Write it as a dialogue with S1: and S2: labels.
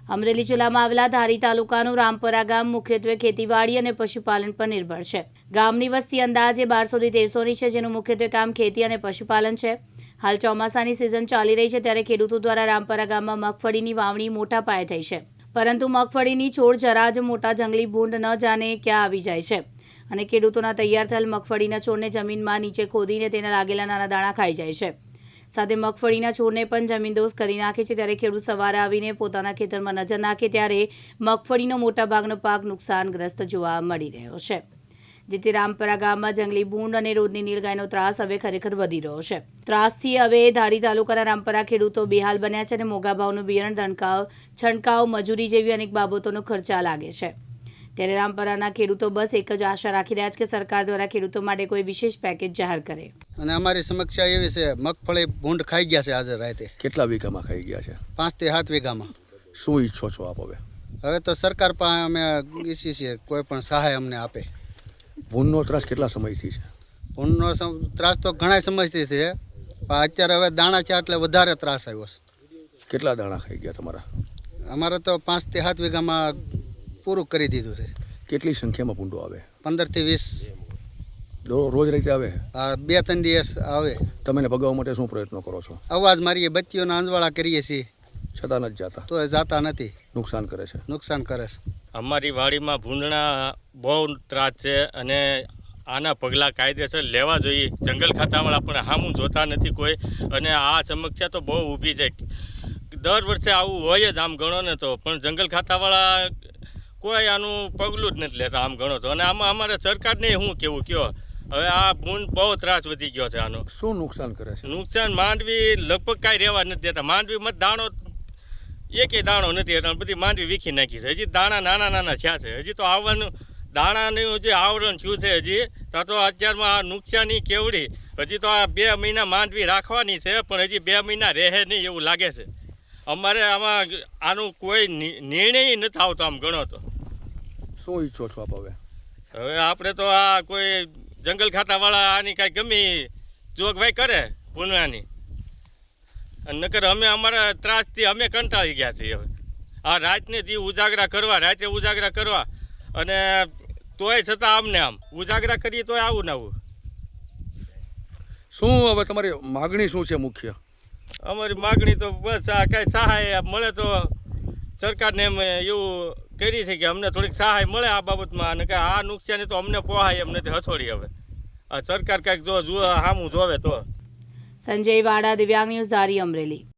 S1: અમરેલી જિલ્લામાં આવેલા ધારી તાલુકાનું રામપરા ગામ મુખ્યત્વે ખેતીવાડી અને પશુપાલન પર નિર્ભર છે. ગામની વસ્તી અંદાજે 1200 થી 1300ની છે, જેનું મુખ્યત્વે કામ ખેતી અને પશુપાલન છે. હાલ ચોમાસાની સિઝન ચાલી રહી છે, ત્યારે ખેડૂતો દ્વારા રામપરા ગામમાં મગફળીની વાવણી મોટા પાયે થઈ છે. પરંતુ મગફળીની છોડ જરા જ મોટા જંગલી ભૂંડ ન જાણે ક્યાં આવી જાય છે અને ખેડૂતોના તૈયાર થયેલ મગફળીના છોડને જમીનમાં નીચે ખોદીને તેના લાગેલા નાના દાણા ખાઈ જાય છે. સાથે મગફળીના છોડને પણ જમીનદોસ કરી નાખે છે. ત્યારે ખેડૂત સવારે આવીને પોતાના ખેતરમાં નજર નાખે ત્યારે મગફળીનો મોટા ભાગનો પાક નુકસાનગ્રસ્ત જોવા મળી રહ્યો છે. જેથી રામપરા ગામમાં જંગલી ભૂંડ અને રોજની નીલગાયનો ત્રાસ હવે ખરેખર વધી રહ્યો છે. ત્રાસથી હવે ધારી તાલુકાના રામપરા ખેડૂતો બેહાલ બન્યા છે અને મોંઘા ભાવનું બિયારણ, છંટકાવ, મજૂરી જેવી અનેક બાબતોનો ખર્ચા લાગે છે. ત્યારે રામપરાના ખેડૂતો બસ એક જ આશા રાખી રહ્યા છે કે સરકાર દ્વારા ખેડૂતો માટે કોઈ વિશેષ પેકેજ જાહેર કરે.
S2: અને અમારી સમસ્યા એવી છે, મગફળી ભૂંડ ખાઈ ગયા છે. આજે રાતે
S3: કેટલા વીઘામાં ખાઈ ગયા છે?
S2: 5 થી 7 વીઘામાં.
S3: શું ઈચ્છો છો આપ હવે?
S2: હવે તો સરકાર પાસે અમે ઈચ્છીએ છીએ કોઈ પણ સહાય અમને આપે.
S3: ભૂંડનો ત્રાસ કેટલા સમયથી છે?
S2: ભૂંડનો ત્રાસ તો ઘણા સમયથી છે, પણ અત્યારે હવે દાણા છે એટલે વધારે ત્રાસ આવ્યો છે.
S3: કેટલા દાણા ખાઈ ગયા તમારા?
S2: અમારે તો 5 થી 7 વીઘામાં પૂરું કરી દીધું છે.
S3: કેટલી સંખ્યામાં ભૂંડો આવે?
S2: 15 થી 20
S3: રોજ રીતે આવે?
S2: 2-3 દિવસ આવે.
S3: તમે એને ભગાવવા માટે શું પ્રયત્નો કરો છો?
S2: અવાજ મારીએ, બત્તીઓના અંજવાળા કરીએ છીએ,
S3: છતાં નથી જાતા?
S2: તો એ જાતા નથી.
S3: નુકસાન કરે છે?
S2: નુકસાન કરે છે.
S4: અમારી વાડીમાં ભૂંડના બહુ ત્રાસ છે અને આના પગલાં કાયદેસર લેવા જોઈએ. જંગલ ખાતાવાળા પણ સામું જોતા નથી કોઈ, અને આ સમસ્યા તો બહુ ઊભી છે. દર વર્ષે આવું હોય જ આમ ગણો ને તો, પણ જંગલ ખાતાવાળા કોઈ આનું પગલું જ નથી લેતા આમ ગણો તો. અને આમાં અમારે સરકારને શું કેવું કયો, હવે આ ભૂંડ બહુ ત્રાસ વધી ગયો છે આનો.
S3: શું નુકસાન કરે છે?
S4: નુકસાન માંડવી લગભગ કાંઈ રહેવા નથી દેતા. માંડવીમાં દાણો એકેય દાણો નથી, એટલે બધી માંડવી વીખી નાખી છે. હજી દાણા નાના નાના થયા છે. હજી તો આવવાનું દાણાનું જે આવરણ થયું છે હજી તો અત્યારમાં આ નુકસાની કેવડી. હજી તો આ 2 મહિના માંડવી રાખવાની છે, પણ હજી 2 મહિના રહે નહીં એવું લાગે છે. અમારે આમાં આનું કોઈ નિર્ણય નથી આવતો આમ ગણો તો.
S3: શું ઈચ્છો છો આપ હવે?
S4: હવે આપણે તો આ કોઈ જંગલ ખાતાવાળા આની કાંઈ ગમી જોગવાઈ કરે ભૂંડવાની. નકર અમે અમારા ત્રાસથી અમે કંટાળી ગયા છીએ. હવે આ રાતને દી ઉજાગરા કરવા અને તોય છતાં અમને આમ ઉજાગરા કરીએ તોય આવું ને આવું.
S3: શું હવે તમારી માગણી શું છે મુખ્ય?
S4: અમારી માગણી તો બસ આ કાંઈ સહાય મળે તો સરકારને એમ એવું કરી છે કે અમને થોડીક સહાય મળે આ બાબતમાં, અને કે આ નુકસાની તો અમને પોહાય એમ નથી હસોડી. હવે આ સરકાર કાંઈક જો સામું જોવે તો.
S1: સંજય વાડા, દિવ્યાંગ ન્યૂઝ, ધારી, અમરેલી.